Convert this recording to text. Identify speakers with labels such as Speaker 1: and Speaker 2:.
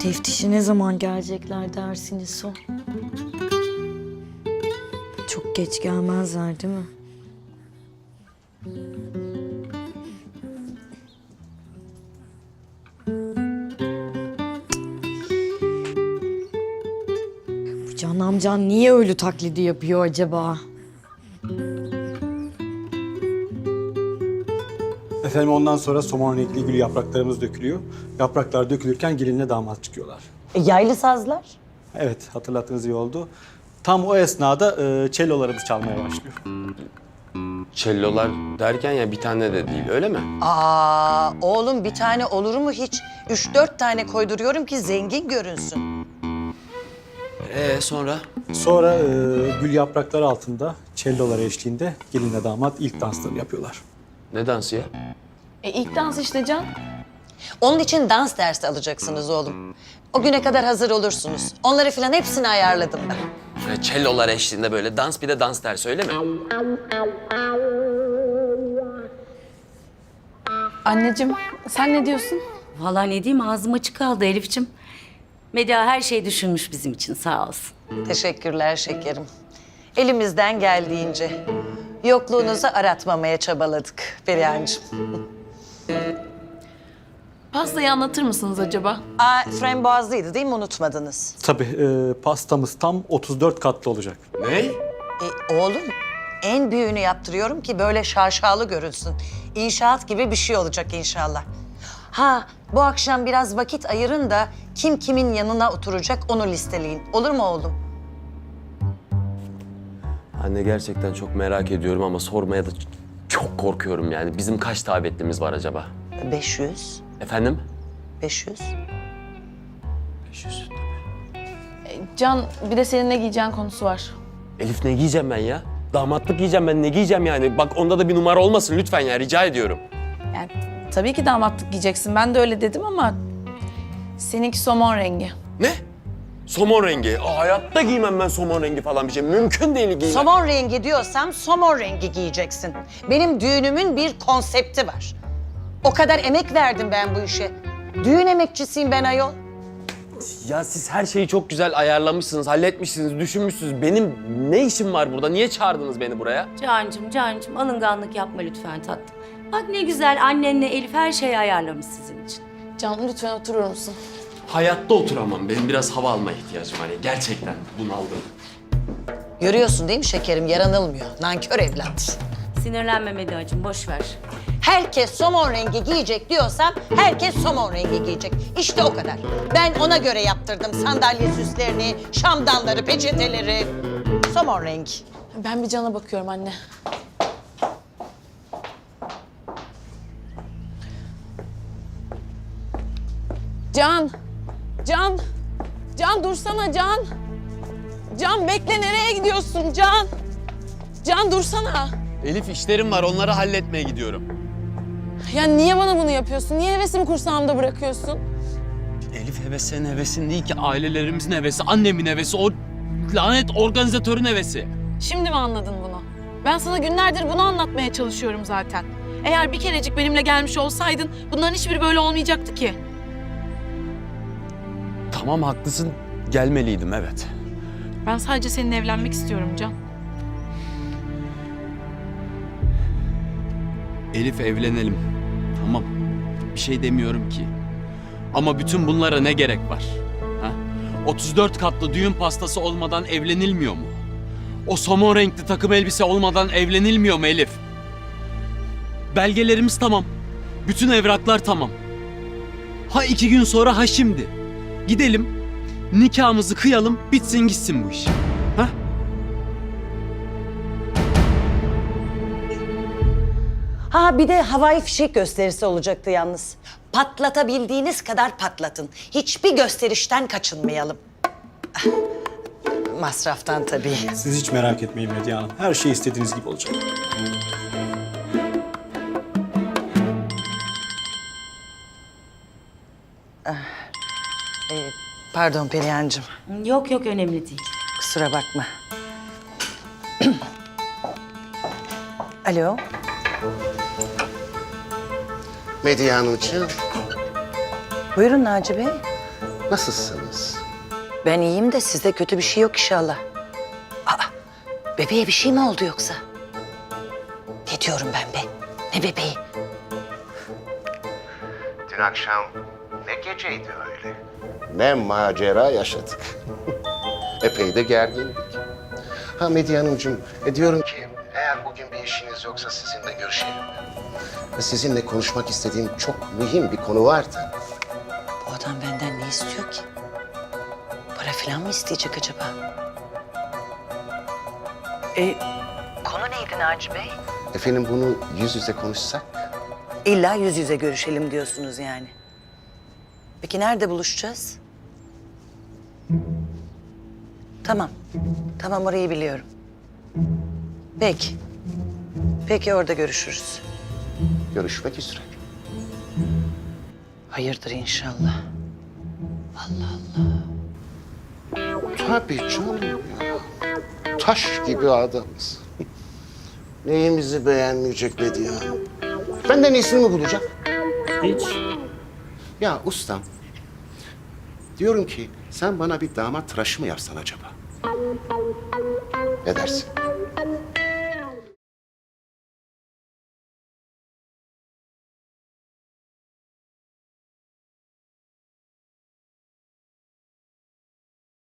Speaker 1: Teftişe ne zaman gelecekler dersiniz o? Çok geç gelmezler değil mi? Bu Can amcan niye ölü taklidi yapıyor acaba?
Speaker 2: Efendim ondan sonra somon renkli gül yapraklarımız dökülüyor. Yapraklar dökülürken gelinle damat çıkıyorlar.
Speaker 3: Yaylı sazlar.
Speaker 2: Evet, hatırlattığınız iyi oldu. Tam o esnada cellolarımız çalmaya başlıyor.
Speaker 4: Cellolar derken ya bir tane de değil, öyle mi?
Speaker 3: Aa, oğlum bir tane olur mu hiç? 3-4 tane koyduruyorum ki zengin görünsün.
Speaker 4: Sonra?
Speaker 2: Sonra gül yaprakları altında cellolar eşliğinde gelinle damat ilk danslarını yapıyorlar.
Speaker 4: Ne dansı ya?
Speaker 5: İlk dans işte Can.
Speaker 3: Onun için dans dersi alacaksınız oğlum. O güne kadar hazır olursunuz. Onları falan hepsini ayarladım ben.
Speaker 4: Cellolar eşliğinde böyle dans, bir de dans dersi, öyle mi?
Speaker 5: Anneciğim sen ne diyorsun?
Speaker 6: Vallahi ne diyeyim, ağzım açık kaldı Elif'ciğim. Medya her şeyi düşünmüş bizim için, sağ olsun.
Speaker 3: Teşekkürler şekerim. Elimizden geldiğince. Yokluğunuzu aratmamaya çabaladık Perihan'cığım.
Speaker 5: Pastayı anlatır mısınız acaba?
Speaker 3: Frambuazlıydı değil mi? Unutmadınız.
Speaker 2: Tabii pastamız tam 34 katlı olacak.
Speaker 4: Ne?
Speaker 3: Oğlum en büyüğünü yaptırıyorum ki böyle şaşalı görünsün. İnşaat gibi bir şey olacak inşallah. Ha, bu akşam biraz vakit ayırın da kim kimin yanına oturacak onu listeleyin. Olur mu oğlum?
Speaker 4: Anne gerçekten çok merak ediyorum ama sormaya da çok korkuyorum yani. Bizim kaç davetlimiz var acaba?
Speaker 3: 500.
Speaker 4: Efendim?
Speaker 3: 500.
Speaker 4: 500.
Speaker 5: Can bir de senin ne giyeceğin konusu var.
Speaker 4: Elif, ne giyeceğim ben ya? Damatlık giyeceğim ben, ne giyeceğim yani? Bak onda da bir numara olmasın lütfen ya, rica ediyorum.
Speaker 5: Yani tabii ki damatlık giyeceksin. Ben de öyle dedim ama seninki somon rengi.
Speaker 4: Ne? Somon rengi. Hayatta giymem ben somon rengi falan bir şey. Mümkün değil giymem.
Speaker 3: Somon rengi diyorsam somon rengi giyeceksin. Benim düğünümün bir konsepti var. O kadar emek verdim ben bu işe. Düğün emekçisiyim ben ayol.
Speaker 4: Ya siz her şeyi çok güzel ayarlamışsınız, halletmişsiniz, düşünmüşsünüz. Benim ne işim var burada? Niye çağırdınız beni buraya?
Speaker 6: Cancım, alınganlık yapma lütfen tatlım. Bak ne güzel, annenle Elif her şeyi ayarlamış sizin için.
Speaker 5: Can lütfen oturur musun?
Speaker 4: Hayatta oturamam. Benim biraz hava almaya ihtiyacım var. Gerçekten bunaldım.
Speaker 3: Görüyorsun değil mi şekerim? Yaranılmıyor. Nankör evlat.
Speaker 6: Sinirlenme Medyacığım, boş ver.
Speaker 3: Herkes somon rengi giyecek diyorsam herkes somon rengi giyecek. İşte o kadar. Ben ona göre yaptırdım sandalye süslerini, şamdanları, peçeteleri. Somon rengi.
Speaker 5: Ben bir Can'a bakıyorum anne. Can! Can! Can dursana Can! Can bekle, nereye gidiyorsun Can? Can dursana!
Speaker 4: Elif, işlerim var. Onları halletmeye gidiyorum.
Speaker 5: Ya niye bana bunu yapıyorsun? Niye hevesimi kursağımda bırakıyorsun?
Speaker 7: Elif hevesinin hevesi değil ki, ailelerimizin hevesi, annemin hevesi, o lanet organizatörün hevesi.
Speaker 5: Şimdi mi anladın bunu? Ben sana günlerdir bunu anlatmaya çalışıyorum zaten. Eğer bir kerecik benimle gelmiş olsaydın bunların hiçbiri böyle olmayacaktı ki.
Speaker 4: Tamam, haklısın. Gelmeliydim, evet.
Speaker 5: Ben sadece seninle evlenmek istiyorum Can.
Speaker 7: Elif, evlenelim. Tamam. Bir şey demiyorum ki. Ama bütün bunlara ne gerek var? Ha? 34 katlı düğün pastası olmadan evlenilmiyor mu? O somon renkli takım elbise olmadan evlenilmiyor mu Elif? Belgelerimiz tamam. Bütün evraklar tamam. Ha 2 gün sonra ha şimdi. Gidelim, nikahımızı kıyalım, bitsin gitsin bu iş. Ha?
Speaker 3: Ha bir de havai fişek gösterisi olacaktı yalnız. Patlatabildiğiniz kadar patlatın. Hiçbir gösterişten kaçınmayalım. Ah, masraftan tabii.
Speaker 2: Siz hiç merak etmeyin Medya Hanım. Her şey istediğiniz gibi olacak.
Speaker 3: Pardon Perihan'cığım.
Speaker 6: Yok önemli değil.
Speaker 3: Kusura bakma. Alo.
Speaker 8: Medya Hanımcığım.
Speaker 3: Buyurun Naci Bey.
Speaker 8: Nasılsınız?
Speaker 3: Ben iyiyim de sizde kötü bir şey yok inşallah. Aa, bebeğe bir şey mi oldu yoksa? Ne diyorum ben be? Ne bebeği?
Speaker 8: Dün akşam ne geceydi öyle? Ne macera yaşadık. Epey de gergindik. Ha Medya Hanımcığım, diyorum ki eğer bugün bir işiniz yoksa sizinle görüşelim. Sizinle konuşmak istediğim çok mühim bir konu vardı.
Speaker 3: Bu adam benden ne istiyor ki? Para falan mı isteyecek acaba? Konu neydi Naci Bey?
Speaker 8: Efendim bunu yüz yüze konuşsak?
Speaker 3: İlla yüz yüze görüşelim diyorsunuz yani. Peki nerede buluşacağız? Tamam. Tamam orayı biliyorum. Peki. Peki orada görüşürüz.
Speaker 8: Görüşmek üzere.
Speaker 3: Hayırdır inşallah.
Speaker 8: Tabii canım ya. Taş gibi adamız. Neyimizi beğenmeyecek Medya Hanım? Benden iyisini mi bulacak?
Speaker 4: Hiç.
Speaker 8: Ya ustam, diyorum ki sen bana bir damat tıraşı mı yapsan acaba? Ne dersin?